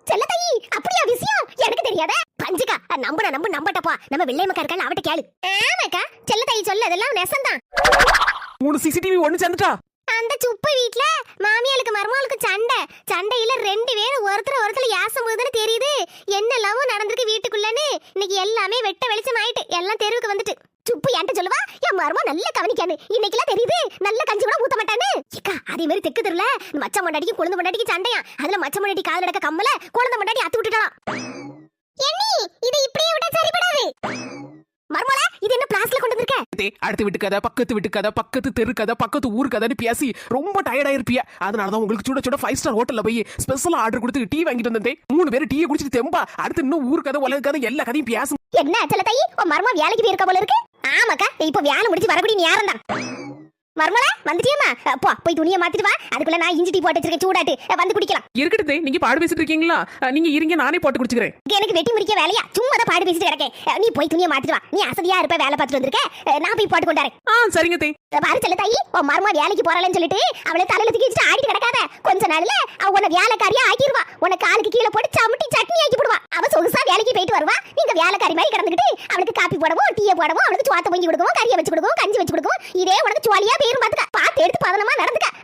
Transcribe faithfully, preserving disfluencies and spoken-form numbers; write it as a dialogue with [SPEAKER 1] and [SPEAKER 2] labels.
[SPEAKER 1] செல்ல தாயி அப்படியா விஷயம் எனக்கு தெரியாத பஞ்சுக்கா நம்புன நம்பு நம்பட்டப்பா நம்ம வெள்ளையம்மா இருக்கா அவட்ட கேளு ஆமாக்கா செல்ல தாயி சொல்ல அதெல்லாம் நெசந்தான்
[SPEAKER 2] மூணு சிசிடிவி ஒண்ணு சேர்ந்துட்டா
[SPEAKER 1] அந்த சுப்பு வீட்ல மாமியாளுக்கு மருமகளுக்கு சண்டை சண்டையில ரெண்டு பேரும் ஒருத்தர் ஒருத்தர் யாசம் போகுதுன்னு தெரியுது என்னெல்லாமோ நடந்திருக்கு வீட்டுக்குள்ளன்னு இன்னைக்கு எல்லாமே வெட்ட வெளிச்சம் ஆயிட்டு எல்லாம் தெருவுக்கு வந்துட்டு சுப்பு என்கிட்ட சொல்லுவா என் மருமக நல்ல கவனிக்கானு இன்னைக்கெல்லாம் தெரியுது நல்ல கஞ்சி கூட ஊத்த மாட்டானு ஏக்கா அதே மாதிரி தெக்கு தெருல மச்ச மண்டாடிக்கு குழந்தை மண்டாடிக்கு சண்டையா அதுல மச்ச மண்டாடி கால் நடக்க கம்மல குழந்தை மண்டாடி அத்து விட்டுட்டான் எண்ணி இது இப்படியே விட்டா சரிபடாது மருமல இது என்ன பிளாஸ்ல கொண்டு வந்திருக்க
[SPEAKER 2] அடுத்த வீட்டு கதை பக்கத்து வீட்டு கதை பக்கத்து தெரு கதை பக்கத்து ஊர் கதைன்னு பேசி ரொம்ப டயர்டா இருப்பிய அதனாலதான் உங்களுக்கு சுட சுட ஃபைவ் ஸ்டார் ஹோட்டல்ல போய் ஸ்பெஷலா ஆர்டர் கொடுத்து டீ வாங்கிட்டு வந்தேன் மூணு பேரும் டீயை குடிச்சிட்டு தெம்பா அடுத்து இன்னும் ஊர் கதை உலக கதை எல்லா கதையும் பேசும்
[SPEAKER 1] என்ன செல்ல தாயி உன் மருமக வேலைக்கு போயிருக்க போல இருக்கு ஆமாக்கா இப்ப வேலை முடிச்சு வரக்கூடிய நேரம் தான் மருமல வந்துட்டியம்மா போ போய் துணியை மாத்திட்டு வா அதுக்குள்ள நான் இஞ்சி டீ போட்டு வச்சிருக்கேன் சூடாட்டு வந்து குடிக்கலாம்
[SPEAKER 2] இருக்கட்டே நீங்க பாடு பேசிட்டு இருக்கீங்களா நீங்க இருங்க நானே போட்டு குடிச்சுக்கிறேன்
[SPEAKER 1] எனக்கு வெட்டி முடிக்க வேலையா சும்மா தான் பாடு பேசிட்டு கிடக்கேன் நீ போய் துணியை மாத்திட்டு வா நீ அசதியா இருப்ப வேலை பார்த்துட்டு வந்திருக்க நான் போய் போட்டு கொண்டாரேன்
[SPEAKER 2] ஆ சரிங்க தே
[SPEAKER 1] பாரு செல்ல தாயி உன் மருமக வேலைக்கு போறலன்னு சொல்லிட்டு அவளை தலையில தூக்கி வச்சுட்டு ஆடிட்டு கிடக்காத கொஞ்ச நாள்ல அவ உன்னை வேலைக்காரியா ஆக்கிடுவா உன்னை காலுக்கு கீழே போட்டு சமுட்டி சட்னி ஆக்கி போடுவா அவ சொகுசா வேலைக்கு போயிட்டு வருவா நீங்க வேலைக்காரி மாதிரி கிடந்துக்கிட்டு அவளுக்கு காப்பி போடவும் டீயை போடவும் அவளுக்கு சோத்த பொங்கி கொடுக்கவும் கறியை வச்சு கொடுக்கவும் கஞ்சி வச்சு கொடுக்கவும் இதே உனக்கு சுவாலியா பேரும் பாத்துக்க பார்த்து எடுத்து பதனமா நடந்துக்க